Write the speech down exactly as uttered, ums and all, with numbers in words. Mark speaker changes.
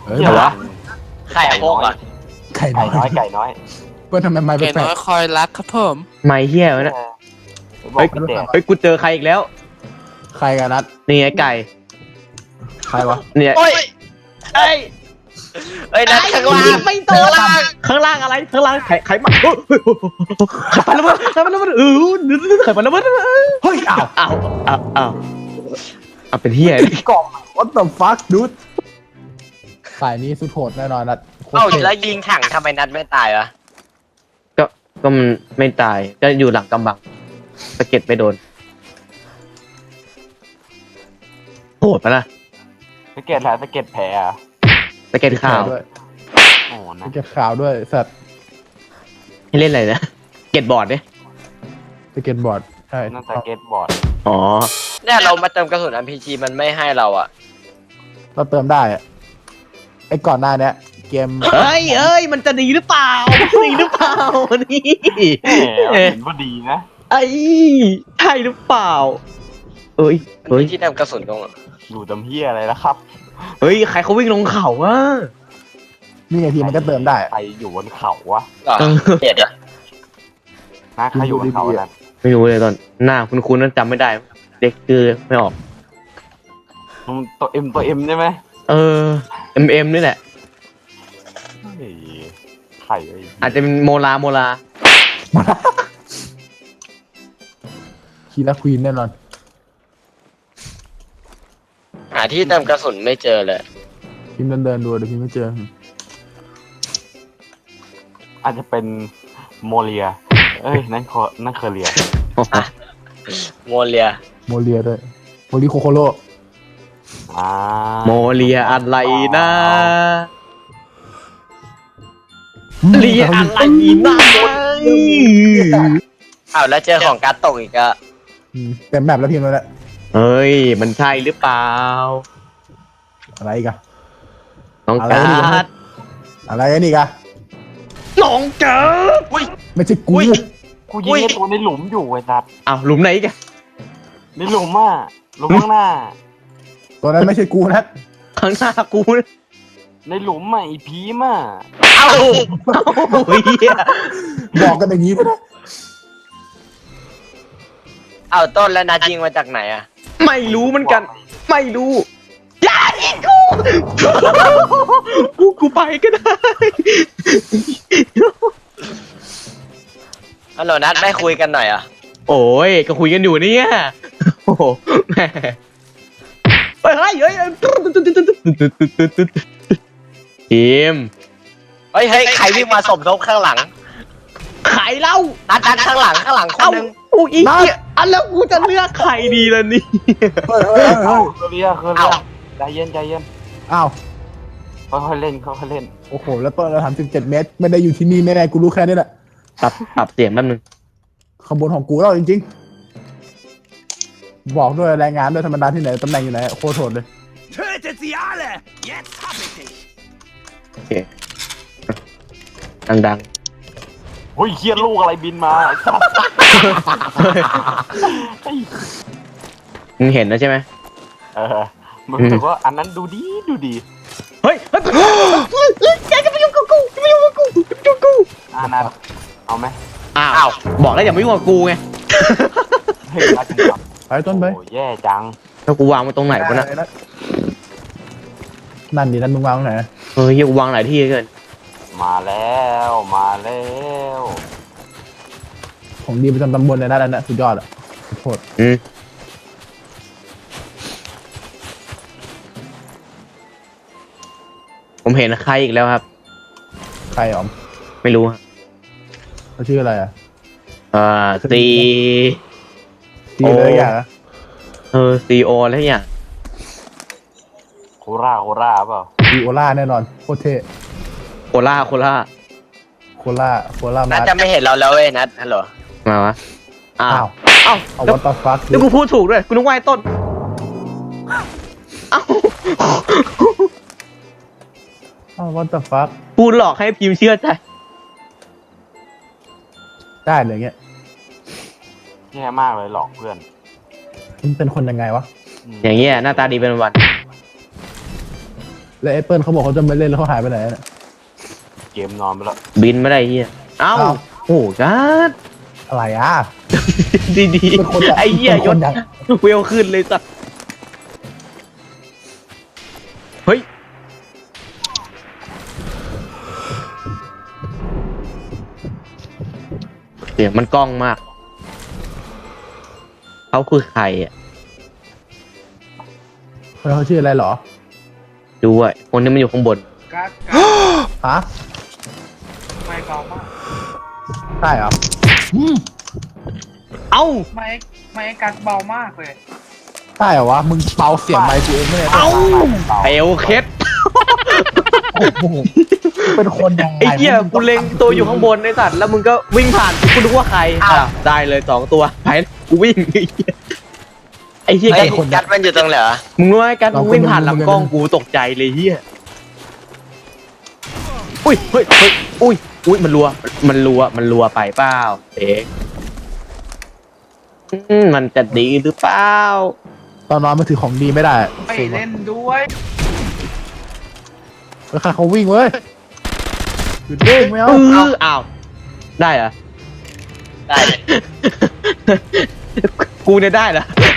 Speaker 1: เอ้ย
Speaker 2: เดี๋ยว
Speaker 1: วะ
Speaker 2: วะไข่โคกอ่ะ
Speaker 1: ไก่น้
Speaker 2: ไก่
Speaker 1: อย
Speaker 2: น้อยไก่น้อย
Speaker 1: เพื่อนทำไมไม่
Speaker 3: เก
Speaker 1: แปล
Speaker 3: น้อก ยคอยรักครับผม
Speaker 4: ไม่เฮี้ยวะนะ
Speaker 2: บอกพี่แดง
Speaker 4: เฮ้ยกูเจอใครอีกแล้ว
Speaker 1: ใครกันนัด
Speaker 4: นี่ไงไก่
Speaker 1: ใครวะ
Speaker 4: เนี่ย
Speaker 2: โอ้ย
Speaker 4: เอ้ย
Speaker 2: เอ้ยนัดข้างล่าง
Speaker 4: ไม่โดนข้างล่างอะไรข้างล่างไข่ไข่มาเฮ้ยไข่ปลาระเบิดไข่ปลาระเบิดเออไข่ปลาระเบิด
Speaker 1: เฮ้ยอ้าว
Speaker 4: อ้าวอ้าวอ้าวอ้าวเป็นเฮี้ย
Speaker 1: กล่อง what the fuck dude ฝ่ายนี้สุดโหดแน่นอนนัดโคตร
Speaker 2: เอ้า
Speaker 1: เท่
Speaker 2: แล้วยิงถังทำไมนัดไม่ตายวะ
Speaker 4: ก็ก็มันไม่ตายก็อยู่หลังกำบังสะเก็ดไม่โดนโหดปะล่ะ
Speaker 2: สเก็ตแล้วสเก็ตแผลอ่ะ
Speaker 4: สะเก็ดข่าว
Speaker 1: ด้วย
Speaker 2: โอ้นะ
Speaker 1: เก็บข่าวด้วยสัตว์
Speaker 4: ให้เล่นอะไรนะเก็ตบอร์ดเนี่ย
Speaker 1: สเก็ตบอร์ดใช่
Speaker 2: นั่นสเก็ตบอร์ด
Speaker 4: อ๋อ
Speaker 2: เนี่ยเรามาเติมกระสุน อาร์ พี จี มันไม่ให้เราอ่ะ
Speaker 1: เราเติมได้อะไอ้ก่อนหน้าเนี้ยเกม
Speaker 4: เฮ้ยเอ้ยมันจะดีหรือเปล่ามันจะดีหรือเปล่านี่
Speaker 2: เห็นว่าดีนะ
Speaker 4: ไอ้ใช่หรือเปล่าเอ้ย
Speaker 2: เฮ้
Speaker 4: เฮ้
Speaker 2: ย
Speaker 4: ย
Speaker 2: ที่เติมกระสุนตรงอยู่ตำเฮียอะไรแล้วครับ
Speaker 4: เฮ้ยใครเขาวิ่งลงเขาวะ
Speaker 1: นี่ไงทีมันก็เติมได้อะ
Speaker 2: ใครอยู่บนเขาวะ
Speaker 4: เออ
Speaker 2: เจ็ดอ่ะนะใครอยู่บนเขานั่น
Speaker 4: ไม่รู้เลยตอนหน้าคุณคุณนั้นจำไม่ได้เด็กคือไม่ออก
Speaker 2: ตัวเอ็มตัวเอ็มใช่ไหม
Speaker 4: เออเอ็มเอ็มนี่แหละ
Speaker 2: เฮ้ยไข่ไอ้
Speaker 4: อาจจะเป็นโมลาโมลา
Speaker 1: คีราควีนแน่นอน
Speaker 2: หาที่เติมกระสุนไม่เจอเลย
Speaker 1: พิมพ์เดินเดินๆดูเดี๋ยวพิมพ์ไม่เจอ
Speaker 2: อาจจะเป็นโมเลีย เอ้ย นั่นคอนั่นเคอเรีย โมเลีย
Speaker 1: โมเลียด้วยโมลีโคโคโร่
Speaker 2: อ่า
Speaker 4: โมเลียอะไรนะเลียอะไรนะ
Speaker 2: อ้าวแล้วเจอของการ์ดตกอีกอะ
Speaker 1: อืมเต็มแบบแล้วพิมพ์แล้วแหละ
Speaker 4: เฮ้ยมันใช่หรือเปล่า
Speaker 1: อะไรอีกอะ
Speaker 4: น้อง
Speaker 1: อะไร
Speaker 4: กา
Speaker 1: นี่
Speaker 4: ร์ด
Speaker 1: อะไรอันนี้กะ
Speaker 4: น้องการ์ด
Speaker 2: อุ้ย
Speaker 1: ไม่ใช่กู
Speaker 2: อุ้ย กูยิงไอ้ตัวในหลุมอยู่ไอ้สัตว์
Speaker 4: อ้าวหลุมไหนอีกัน
Speaker 2: ในหลุมอ่ะหลุมข้างหน้า
Speaker 1: ตัวนั้นไม่ใช่กูนะ
Speaker 4: ข้างหน้ากูนะ
Speaker 2: ในหลุมอ่ะไอีพีมอ่ะ
Speaker 4: เอ้าโอ้ยเหี้ย
Speaker 1: บอกกันอย่างนี้ก็ได้
Speaker 2: เอาต้นแล้วนัดยิงมาจากไหนอ่ะ
Speaker 4: ไม่รู้เหมือนกัน ไม่รู้อย่ายิงกูกูกูไปก็ได้
Speaker 2: ฮัลโหลนัดไม่คุยกันหน่อยอ่ะ
Speaker 4: โอ้ยก็คุยกันอยู่เนี่ยโอ้โหแหมเฮ้ยเฮ้ยเฮ้ยทีม
Speaker 2: เฮ้ยเฮ้ยใครวิ่งมาสมทบข้างหลัง
Speaker 4: ไข่เล่า
Speaker 2: นัดนัดข้างหลังข้างหลังคน
Speaker 4: เอ้า
Speaker 2: นึง
Speaker 4: โอ้ยอีกเนี่ยอันแล้วกูจะเลือกใครดีล่ะนี่
Speaker 1: เฮ้ยเฮ้ยเฮ้ย
Speaker 2: เคอเรียเคอเรียใจเย็นใจเย็น
Speaker 1: อ้าว
Speaker 2: ค่อยๆเล่นค่อยๆเล่น
Speaker 1: โอ้โหแล้วต้นเราทำสิบเจ็ดเมตรไม่ได้อยู่ที่นี่แน่ๆกูรู้แค่นี้แหละ
Speaker 4: ปรับปรับเสียงแป๊บนึง
Speaker 1: ขบวนของกูแล้วจริงๆบอกด้วยรายงานด้วยธรรมดาที่ไหนตำแหน่งอยู่ไหนโคตรโหดเลย
Speaker 5: Tötet sie alle! Jetzt hab ich dich!
Speaker 4: โอเคดัง
Speaker 2: เฮ้ยเคียนลูกอะไรบินมาไอ้สัตว์
Speaker 4: ๆมึงเห็นแล้วใช่ไหม
Speaker 2: เออมันรู้สึกว่าอันนั้นดูดีดูดี
Speaker 4: เฮ้ยเฮ้ยแกจะไปยุ่งกับกูจะไปยุ่งกับกูจะไปยุ่งกับกู
Speaker 2: อ่านัดเอาไหม
Speaker 4: อ้าวบอกแล้วอย่ามายุ่งกับกูไง
Speaker 2: เฮ้ยนัดจังครับ
Speaker 1: ไปต้นไป
Speaker 2: โอ้แย่จัง
Speaker 4: แล้วกูวางไว้ตรงไหนวะนะ
Speaker 1: นั่นดินั่นมึงวางตรงไหน
Speaker 4: เฮ้ยกูวางหลายที่เกิน
Speaker 2: มาแล้วมาแล้ว
Speaker 1: ของดีประจำตำบลเลยนะนั่นนะสุดยอดอ่ะโหด
Speaker 4: อืมผมเห็นใครอีกแล้วครับ
Speaker 1: ใครอ๋อม
Speaker 4: ไม่รู้ฮะ
Speaker 1: เขาชื่ออะไรอ่ะ
Speaker 4: เอ่อซี
Speaker 1: ตีเลยอย่างอะ
Speaker 4: เออซีโออะไรอย่าง
Speaker 2: โคราโคราเปล่า
Speaker 1: ตีโอล่าแน่นอนโคตรเท่
Speaker 4: โคล่าโคล่า
Speaker 1: โคล่าโคล่า
Speaker 2: นั
Speaker 1: มา
Speaker 2: ดจะไม่เห็นเราแล้วเว้ยนัดฮัลโหล
Speaker 4: มาวะอ้า
Speaker 1: อ้าว ว
Speaker 4: เอ้า
Speaker 1: เอา
Speaker 4: แล้ว
Speaker 1: วัตฟัก
Speaker 4: แล้วกูพูดถูกด้วยกูนึกว่าไอ้ต้นเอ้า
Speaker 1: อ้าววัตฟัก
Speaker 4: พูดหลอกให้พิมพ์เชื่อใจ
Speaker 1: ได้เลยเงี้ย
Speaker 2: แย่มากเลยหลอกเพื่อน
Speaker 1: มันเป็นคนยังไงวะ
Speaker 2: ม
Speaker 4: อย่างเงี้ยหน้าตาดีเป็นวัน
Speaker 1: รแล้วแอปเปิลเขาบอกเขาจะไม่เล่นแล้วเขาหายไปไหนน่ะ
Speaker 2: เกมนอนไปแล้ว
Speaker 4: บินไม่ได้เฮียเอ้า
Speaker 1: เอ้า
Speaker 4: โอ้กัด
Speaker 1: อะไรอ่ะ
Speaker 4: ดีดี
Speaker 1: เป็นคน
Speaker 4: ไอ้เหี้ย
Speaker 1: เป็น
Speaker 4: ย
Speaker 1: ค
Speaker 4: ศ
Speaker 1: นอย่าง
Speaker 4: เวลขึ้นเลยสัตว์เฮ้ยเสียงมันกล้องมากเขาคือใครอ่ะ
Speaker 1: คนเขาชื่ออะไรเหรอ
Speaker 4: ดูอ่ะคนนี้มันอยู่ข้างบน
Speaker 3: กัดกัด
Speaker 1: ฮะ
Speaker 3: ไม่เบามาก
Speaker 1: ใช่เหรออืม
Speaker 4: เอ้า
Speaker 3: ไม่ไม่กัดเบามากเลย
Speaker 1: ใช่เหรอวะมึงเบาเสียงไมค์กูเองไม่ได้
Speaker 4: เอ้าเอลเคส
Speaker 1: โอ้โหเป็นคนยังไง
Speaker 4: ไอ้เหี้ยกูเล็งตัวอยู่ข้างบนไอ้สัตว์แล้วมึงก็วิ่งผ่านกูนึกว่าใครอ่ะได้เลยสองตัวไปกูวิ่งไอ้เหี้ยไอ้เหี้ย
Speaker 6: ไอ้
Speaker 4: กัด
Speaker 6: กัดมันอยู่ตรงไหนวะ
Speaker 4: มึงรู้ไหมกัดมึงวิ่งผ่านลำกล้องกูตกใจเลยเหี้ยอุ้ยเฮ้ยเฮ้ยอุ้ยอุ้ยมันรัวมันรัวมันรัวไปเปล่าเอ๊ะอืมมันจะดีหรือเปล่า
Speaker 1: ตอนนอนมันถือของดีไม่ได้
Speaker 3: ไม่เล่นด้วย
Speaker 1: แล้วใครเขาวิ่งเว้ยหยุดวิ่งไม่
Speaker 4: เอ
Speaker 1: เอา
Speaker 4: ออ้าวได้เหรอ
Speaker 6: ได้เลย
Speaker 4: กูเนี่ยได้เหรอ